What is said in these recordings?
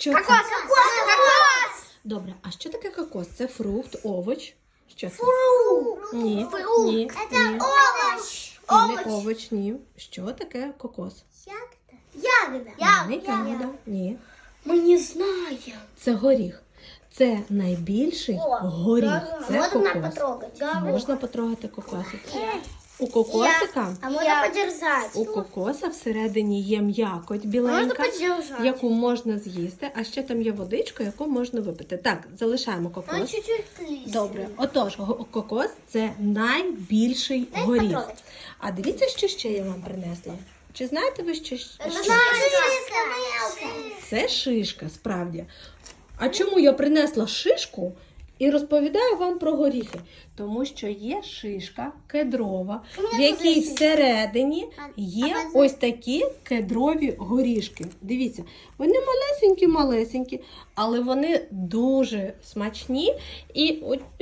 Що Кокос! це? Кокос! Добре, а що таке кокос? Це фрукт, овоч? Що це? Фрукт. Ні, Фрукт. ні, Це ні. овощ. Ні, не овоч, ні. Що таке кокос? Ягода. Не ягода, ні. Мы не знаем. Це горіх. Це найбільший горіх. Це Можно кокос. потрогать? Можна потрогати кокосик. У кокосика, А можно подержать? у кокоса всередині є м'якоть біленька, подержать. яку можна з'їсти, а ще там є водичка, яку можна випити. Так, залишаємо кокос. чуть-чуть слизь. Добре, отож, кокос це найбільший горіх. потрогать. А дивіться, що ще я вам принесла. Чи знаєте ви, що? Це шишка, справді. А чому я принесла шишку і розповідаю вам про горіхи? Тому що є шишка кедрова, в якій всередині є ось такі кедрові горішки. Дивіться, вони малесенькі-малесенькі, але вони дуже смачні і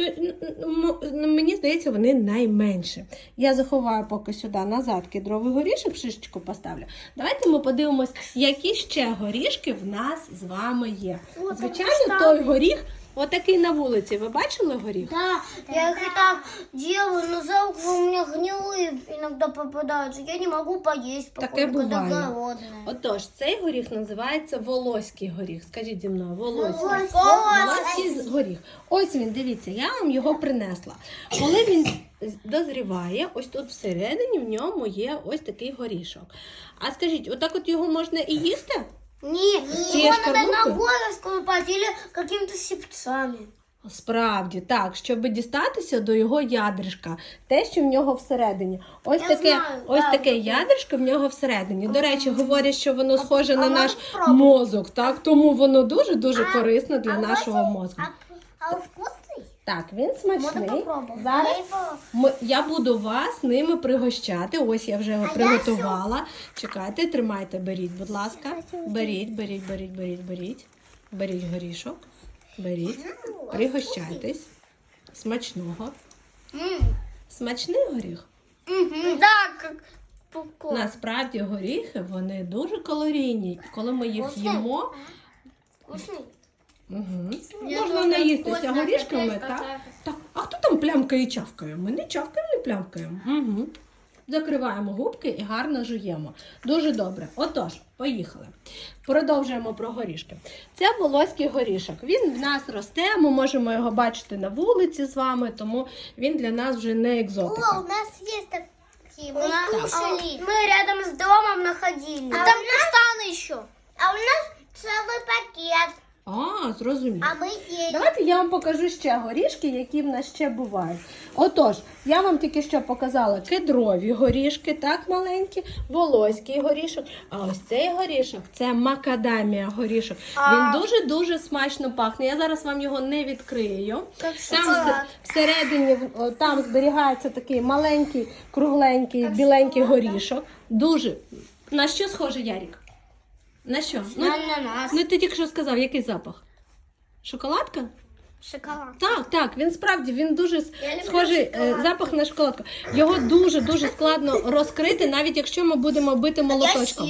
мені здається, вони найменші. Я заховаю поки сюди назад кедровий горішок, шишечку поставлю. Давайте ми подивимось, які ще горішки в нас з вами є. Звичайно, той горіх, отакий на вулиці. Ви бачили горіх? Да, я их и так делаю, но за углом у меня гнилые иногда попадаются. Я не могу поесть, Таке походу, когда буває. голодная. Отож, цей горіх називається волоський горіх. Скажіть зі мною, волоський. Волоський. Горіх. Ось він, дивіться, я вам його принесла. Коли він дозріває, ось тут всередині в ньому є ось такий горішок. А скажіть, отак от його можна і їсти? Нет, Те его надо шкарлупы? ногой расколупать или какими-то щипцами. Справді, так, щоб дістатися до його ядришка, те, що в нього всередині. Ось Я таке, знаю, ось да, таке таке. ядришко в нього всередині. До речі, говорять, що воно схоже на можна наш спробувати? мозок, так? Тому воно дуже-дуже корисно для нашого мозку. А он вкусный? Так, він смачний. попробовать. Зараз я буду вас ними пригощати. Ось я вже його приготувала. Чекайте, тримайте, беріть, будь ласка. Беріть. Беріть горішок. Беріть. Пригощайтесь. Смачного. Смачний горіх? Да, как попкорн. Насправді горіхи, вони дуже калорійні. Коли ми їх їмо, Вкусный? можна наїстися горішками, так? Так, а хто там плямкає і чавкає? Ми не чавкаємо, не плямкаємо. Закриваємо губки і гарно жуємо. Дуже добре. Отож, поїхали. Продовжуємо про горішки. Це волоський горішок. Він в нас росте, ми можемо його бачити на вулиці з вами, тому він для нас вже не екзотика. У нас есть такие. Мы кушали. Мы рядом с домом находили. А там каштаны еще. А у нас целый пакет. А, зрозуміло. А мы ели. Давайте я вам покажу ще горішки, які в нас ще бувають. Отож, я вам тільки що показала кедрові горішки, так, маленькі, волоський горішок. А ось цей горішок, це макадамія горішок. Він дуже-дуже смачно пахне. Я зараз вам його не відкрию. Там всередині, там зберігається такий маленький, кругленький, біленький горішок. Дуже. На що схоже, Ярік? На що? Ананас. Ну, ти тільки що сказав, який запах? Шоколадка? Шоколад. Так, він справді, він дуже люблю схожий шоколадку. запах на шоколадку. Його дуже складно розкрити, навіть якщо ми будемо бити молоточком.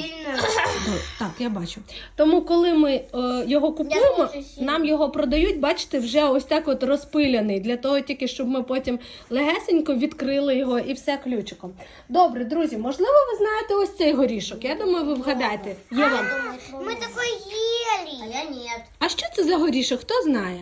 Так, я бачу. Тому, коли ми його купуємо, дуже сильно. нам його продають, бачите, вже ось так от розпиляний, для того тільки, щоб ми потім легесенько відкрили його і все ключиком. Добре, друзі, можливо, ви знаєте ось цей горішок? Я думаю, ви вгадаєте. Є вам. Мы такой ели. А я нет. А що це за горішок? Хто знає?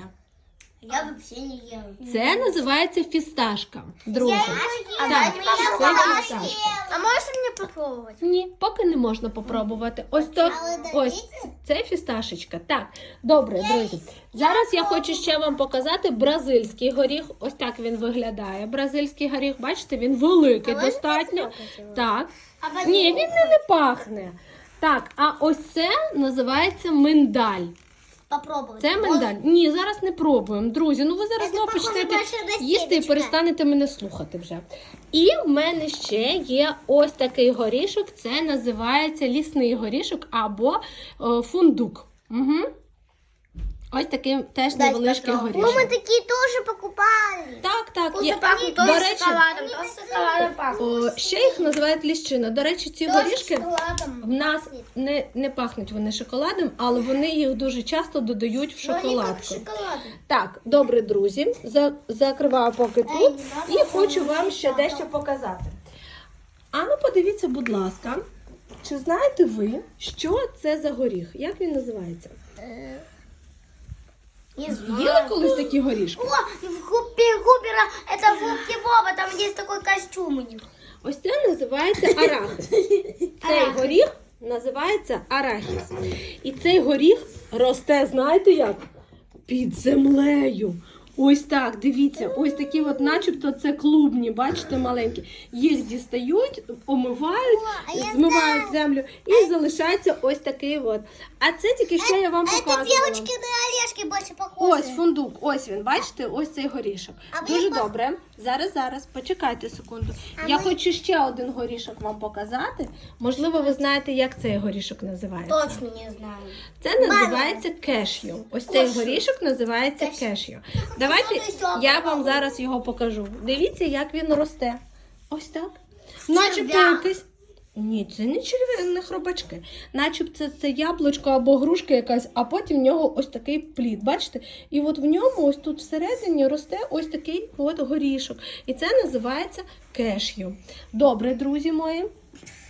Я вообще не ела. Це називається фісташка, друзі. А Так, це фісташка. А можешь мне попробовать? Ні, поки не можна попробувати. Ось так, ось це фісташечка. Так, добре, друзі. Зараз я хочу ще вам показати бразильський горіх. Ось так він виглядає. Бразильський горіх, бачите, він великий достатньо. Так. Ні, він не пахне. Так, а ось це називається миндаль. Попробовать. Це миндаль. Ні, зараз не пробуємо. Друзі, ну ви зараз знову почнете їсти і перестанете мене слухати вже. І в мене ще є ось такий горішок. Це називається лісний горішок або фундук. Ось такий теж невеличкий горішок. Мы такие тоже покупали. Так, є. Пахнут До тоже речі, шоколадом, тоже шоколадом пахнут. ще їх називають ліщина. До речі, ці горішки шоколадом. в нас не пахнуть вони шоколадом, але вони їх дуже часто додають в шоколадку. Шоколад. Так, добре, друзі, закриваю поки тут і хочу вам ще дещо показати. А ну подивіться, будь ласка, чи знаєте ви, що це за горіх? Як він називається? Не Їли колись такі горішки? О, в Губера, это в Губке Боба, там есть такой костюм у них. Ось це називається арахіс. Цей горіх називається арахіс. І цей горіх росте, знаєте як? Під землею. Ось так, дивіться, ось такі от, начебто це клубні, бачите, маленькі. Їх дістають, омивають, змивають землю і залишається ось такий от. А це тільки що я вам показувала. на орешки больше похожи. Ось фундук, ось він, бачите, ось цей горішок. Дуже добре. Зараз, почекайте секунду. Я хочу ще один горішок вам показати. Можливо, ви знаєте, як цей горішок називається. Точно не знаю. Це називається кешю. Ось цей горішок називається кешю. Давайте я вам зараз його покажу. Дивіться, як він росте. Ось так. Начебто якийсь. Ні, це не черв'яні, не хробачки. Начебто це яблучко або грушка якась, а потім в нього ось такий плід. Бачите? І от в ньому ось тут всередині росте ось такий от горішок. І це називається кешю. Добре, друзі мої.